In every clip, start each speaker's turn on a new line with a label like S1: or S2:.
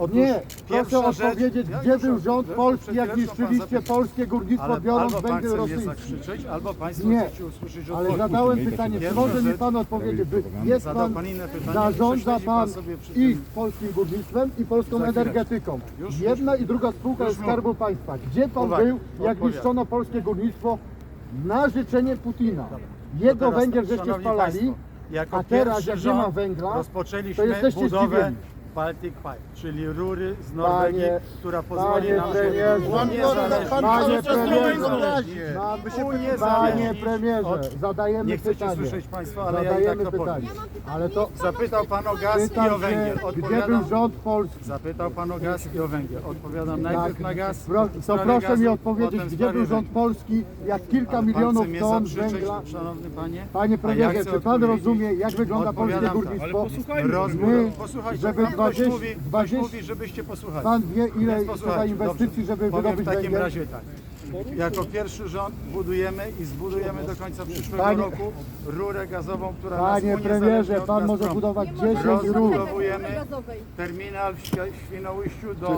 S1: Otóż
S2: Nie, proszę
S1: pierwsza rzecz-
S2: odpowiedzieć,
S1: Ja
S2: gdzie
S1: już
S2: był
S1: od-
S2: rząd
S1: przed
S2: polski, jak
S1: chwileczką pan
S2: niszczyliście
S1: zapytał.
S2: polskie górnictwo,
S1: Ale
S2: biorąc
S1: albo pan
S2: węgiel
S1: chce mnie
S2: rosyjski.
S1: zakrzyczeć, albo państwo
S2: Nie,
S1: chcecie usłyszeć
S2: ale
S1: odpowiedź.
S2: zadałem pytanie, czy może mi
S1: rzecz-
S2: pan odpowiedzieć, jest
S1: Zadał
S2: pan,
S1: pan inne pytanie,
S2: zarządza
S1: prześledzi
S2: pan
S1: sobie przy
S2: i
S1: tym.
S2: polskim górnictwem i polską
S1: Za chwileczkę.
S2: energetyką.
S1: Już
S2: Jedna i druga spółka
S1: już
S2: jest
S1: mówię.
S2: Skarbu Państwa. Gdzie pan
S1: Uwaga,
S2: był, jak
S1: odpowiadam.
S2: niszczono polskie górnictwo na życzenie Putina? Jego
S1: Teraz
S2: węgiel
S1: tak,
S2: żeście
S1: szanowni
S2: spalali,
S1: państwo, jako
S2: a teraz
S1: pierwszy
S2: jak nie ma
S1: rząd
S2: węgla,
S1: rozpoczęliśmy
S2: to jesteście
S1: budowę
S2: zdziwieni.
S1: Baltic Pipe, czyli rury z Norwegii,
S2: Panie-
S1: która pozwoli
S2: panie
S1: nam
S2: premierze,
S1: uniezależnić.
S2: Panie premierze,
S1: Uniezależnić.
S2: panie premierze,
S1: od-
S2: zadajemy
S1: Nie chcecie
S2: pytanie.
S1: słyszeć państwo, ale ja i tak
S2: Zadajemy
S1: to
S2: pytanie.
S1: powiem.
S2: Ale to
S1: Zapytał pan o gaz i
S2: pytam
S1: o węgiel.
S2: się, gdzie był
S1: Odpowiadam.
S2: rząd polski?
S1: Zapytał pan o gaz i o węgiel. Odpowiadam najpierw na gaz.
S2: To
S1: w sprawie
S2: proszę mi
S1: gazu,
S2: odpowiedzieć,
S1: potem w
S2: gdzie
S1: sprawie
S2: był rząd
S1: węgla.
S2: polski, jak kilka
S1: Ale pan
S2: milionów
S1: chce mnie
S2: ton
S1: zakrzyczeć,
S2: węgla.
S1: szanowny panie.
S2: Panie
S1: A ja
S2: premierze,
S1: chcę
S2: czy pan
S1: odpowiedzieć.
S2: rozumie, jak wygląda polskie
S1: Odpowiadam tak.
S2: górnictwo?
S1: Rozbudowę.
S2: My,
S1: Posłuchajcie,
S2: żeby
S1: ktoś
S2: 20
S1: mówi, żebyście posłuchali.
S2: Pan wie, ile
S1: Więc
S2: trzeba
S1: posłuchajcie,
S2: inwestycji,
S1: dobrze.
S2: żeby
S1: Powiem
S2: wydobyć
S1: w takim
S2: węgiel?
S1: razie tak. Jako pierwszy rząd budujemy i zbudujemy do końca przyszłego
S2: Panie-
S1: roku rurę gazową, która
S2: Panie
S1: nas uniezależni
S2: premierze,
S1: od
S2: pan może
S1: Gazpromu.
S2: budować 10 rur.
S1: Rozbudowujemy terminal w Świnoujściu do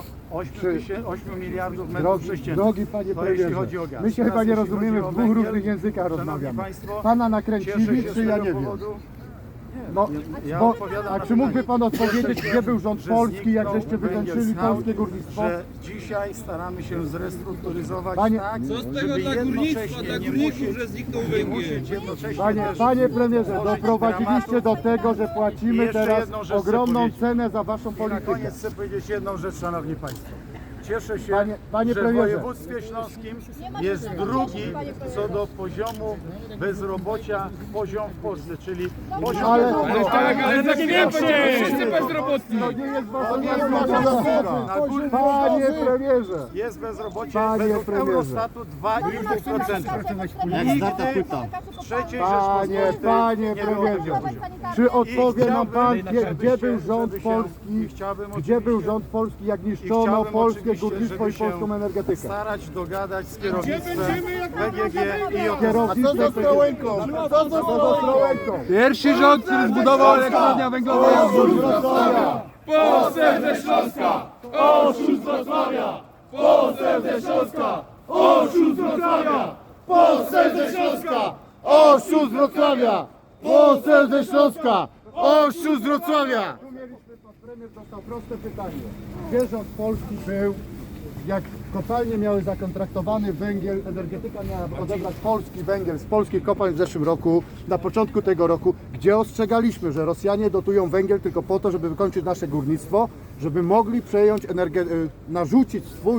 S1: 8 miliardów metrów sześciennych.
S2: Drogi panie
S1: To jeśli
S2: premierze,
S1: chodzi o gaz.
S2: my się
S1: Teraz
S2: chyba nie
S1: jeśli
S2: rozumiemy,
S1: chodzi
S2: w
S1: o
S2: dwóch
S1: węgiel,
S2: różnych językach
S1: szanowni
S2: rozmawiamy.
S1: państwo,
S2: Pana
S1: cieszę
S2: nakręcili,
S1: się z
S2: czy ja
S1: tego
S2: nie wiem?
S1: powodu.
S2: No,
S1: Ja
S2: bo,
S1: odpowiadam
S2: a
S1: na
S2: czy mógłby
S1: pytanie.
S2: pan odpowiedzieć, gdzie był rząd
S1: Że
S2: polski, jak
S1: zniknął
S2: żeście
S1: węgiel
S2: wykończyli
S1: z hałd,
S2: polskie górnictwo?
S1: Że dzisiaj staramy się zrestrukturyzować
S2: Panie-
S1: tak,
S3: Co z tego
S1: żeby
S3: dla górnictwa,
S1: jednocześnie
S3: dla
S1: nie
S3: górników,
S1: musieć,
S3: że zniknął
S1: nie
S3: węgiel?
S1: musieć jednocześnie też
S2: Panie premierze,
S1: tworzyć
S2: doprowadziliście do tego, że
S1: I
S2: płacimy
S1: jeszcze
S2: teraz
S1: jedną rzecz chcę
S2: ogromną
S1: powiedzieć.
S2: cenę za waszą
S1: I na
S2: politykę.
S1: koniec chcę powiedzieć jedną rzecz, szanowni państwo. Cieszę się,
S2: Panie
S1: że w
S2: premierze.
S1: województwie śląskim jest drugi co do poziomu bezrobocia poziom w Polsce, czyli poziom
S3: Ale tak więcej! Wszyscy bezrobotni!
S2: To nie jest wasza
S1: Na górnym
S2: Panie premierze!
S1: jest bezrobocie
S2: Panie
S1: według
S2: premierze.
S1: Eurostatu 2,5%. Nigdy w trzeciej
S2: Panie
S1: Rzeczpospolitej nie było
S2: premierze,
S1: takiego poziomu.
S2: czy odpowie nam pan,
S1: chciałbym,
S2: gdzie był rząd
S1: żeby się-
S2: polski,
S1: i chciałbym
S2: gdzie był
S1: oczywiście-
S2: rząd polski, jak
S1: I
S2: niszczono
S1: chciałbym
S2: polskie
S1: oczywiście,
S2: górnictwo
S1: żeby
S2: i
S1: się
S2: polską energetykę?
S1: starać dogadać z kierownictwem BGG i OKO.
S2: Kierownictwo
S4: Co z Ostrołęką? Co z Ostrołęką?
S3: Pierwszy rząd, który zbudował elektrownię węglową
S5: Poseł ze Śląska! Oszust Wrocławia! Poseł ze Śląska! Oszust Wrocławia!
S2: Poseł ze Śląska! Oszust z Wrocławia! Poseł ze Śląska! Oszust z Wrocławia! Tu mieliśmy, pan premier dostał proste pytanie. Gdzie rząd polski był, jak kopalnie miały zakontraktowany węgiel, energetyka miała odebrać polski węgiel z polskich kopalń w zeszłym roku, na początku tego roku, gdzie ostrzegaliśmy, że Rosjanie dotują węgiel tylko po to, żeby wykończyć nasze górnictwo, żeby mogli przejąć, narzucić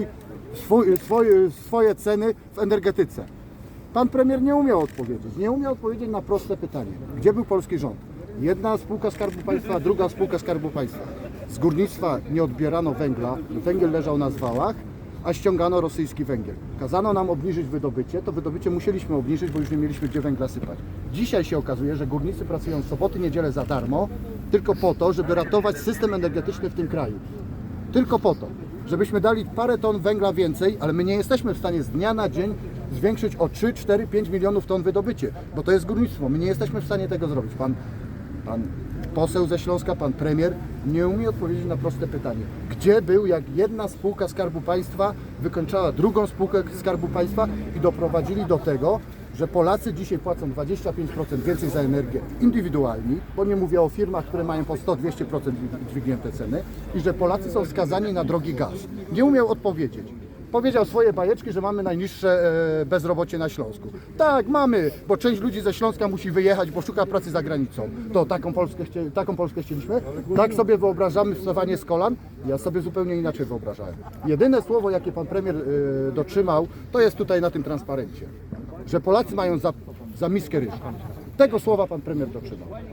S2: swoje ceny w energetyce. Pan premier nie umiał odpowiedzieć. Nie umiał odpowiedzieć na proste pytanie. Gdzie był polski rząd? Jedna spółka Skarbu Państwa, druga spółka Skarbu Państwa. Z górnictwa nie odbierano węgla, węgiel leżał na zwałach, a ściągano rosyjski węgiel. Kazano nam obniżyć wydobycie, to wydobycie musieliśmy obniżyć, bo już nie mieliśmy gdzie węgla sypać. Dzisiaj się okazuje, że górnicy pracują w soboty, niedzielę za darmo, tylko po to, żeby ratować system energetyczny w tym kraju. Tylko po to, żebyśmy dali parę ton węgla więcej, ale my nie jesteśmy w stanie z dnia na dzień zwiększyć o 3, 4, 5 milionów ton wydobycie, bo to jest górnictwo. My nie jesteśmy w stanie tego zrobić. Pan poseł ze Śląska, pan premier nie umie odpowiedzieć na proste pytanie. Gdzie był, jak jedna spółka Skarbu Państwa wykończała drugą spółkę Skarbu Państwa i doprowadzili do tego, że Polacy dzisiaj płacą 25% więcej za energię indywidualni, bo nie mówię o firmach, które mają po 100-200% dźwignięte ceny i że Polacy są skazani na drogi gaz. Nie umiał odpowiedzieć. Powiedział swoje bajeczki, że mamy najniższe bezrobocie na Śląsku. Tak, mamy, bo część ludzi ze Śląska musi wyjechać, bo szuka pracy za granicą. To taką Polskę chcieliśmy? Tak sobie wyobrażamy wstawanie z kolan? Ja sobie zupełnie inaczej wyobrażałem. Jedyne słowo, jakie pan premier dotrzymał, to jest tutaj na tym transparencie. Że Polacy mają za miskę ryżu. Tego słowa pan premier dotrzymał.